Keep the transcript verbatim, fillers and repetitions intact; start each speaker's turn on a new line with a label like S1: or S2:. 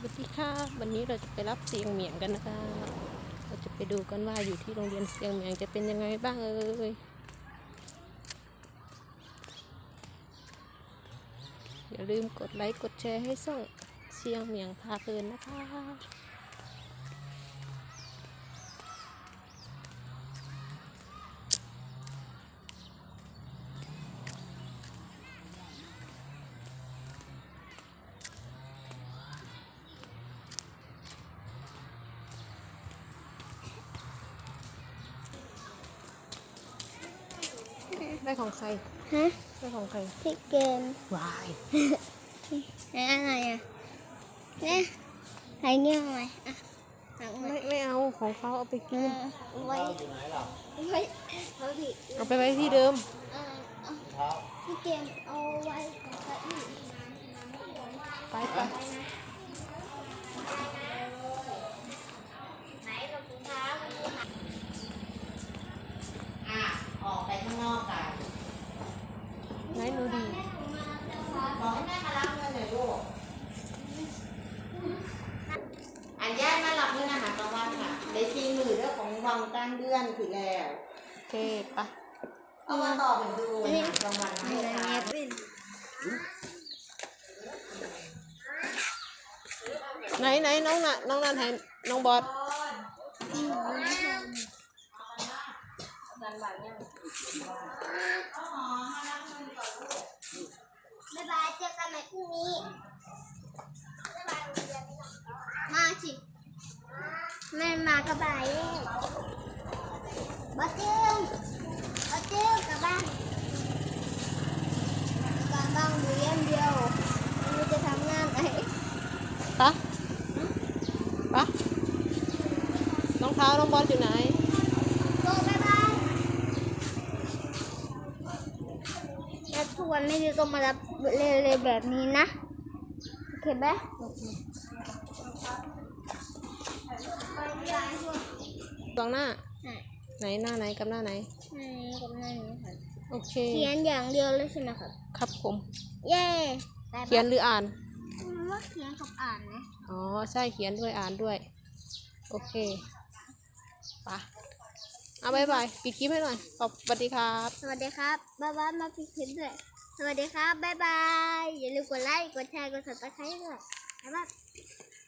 S1: วัสดีค่ะวันนี้เราจะไปรับเสียงเหมียงกันนะคะเราจะไปดูกันว่าอยู่ที่โรงเรียนเสียงเหมียงจะเป็นยังไงบ้างเอ่ยอย่าลืมกดไลค์กดแชร์ให้ส่งเสียงเหมียงพาเพลินนะคะได้ของใคร
S2: ฮะ
S1: ได้ของใคร
S2: พี่เกม
S1: วาย
S2: นี่อะไรอ่ะเนี่ยใครเงี้ยไหมอ่ะ
S1: ไม่ไม่เอาของเขาเอาไปกิน
S2: ไว้ไว้เขาพี่
S1: เอาไปไว้ที่เดิม
S2: พี่เกมเอาไว้กับเก้าอี้
S1: ไปไป
S3: ออกไปข้างนอกกัน
S1: ไหนหนูดี
S3: บอกให้แม่มารับเงินหน่อยลูกอันย่ามารับเงินอาหารกลางวันค่ะได้ซีมือเรื่องของวังการเดือนถึงแล้ว
S1: โอเคปะ
S3: เอามาต่อเป็นดูอาหารกลางวันให้ค่ะ
S1: ไหนไหนน้องน่ะน้องนั่นให้น้องบอส
S2: บ๊ายบายเจอกันใหม่พรุ่งนี้บ๊ายบายมาสิแม่มากระบายบ้าจิ้งบ้าจิ้งกลับบ้านกลับบ้านเรียนเดียวไม่จะทำงานไหน
S1: ปะปะรองเท้าน้องบอสอยู่ไหน
S2: โตบ๊ายบายแล้วทุกวันไม่ได้ต้องมารับเร็วๆแบบนี้นะโอเคไหม
S1: ตรงหน้าไหนหน้าไหนกับหน้าไหน
S2: หน้านี้กับหน้านี้ค่ะ
S1: โอเค
S2: เขียนอย่างเดียวเลยใช่ไหมครับ
S1: ครับผม
S2: เย่
S1: เขียนหรืออ่าน
S2: ว่าเขียนกับอ่านนะ
S1: อ๋อใช่เขียนด้วยอ่านด้วยโอเคปะเอาบายบายปิดคลิปให้หน่อยขอบสวัสดีครับ
S2: สวัสดีครับบ๊ายบายมาปิดคลิปด้วยสวัสดีครับบ๊ายบายอย่าลืมกดไลค์กดแชร์กดซับสไครต์ด้วยบ๊ายบาย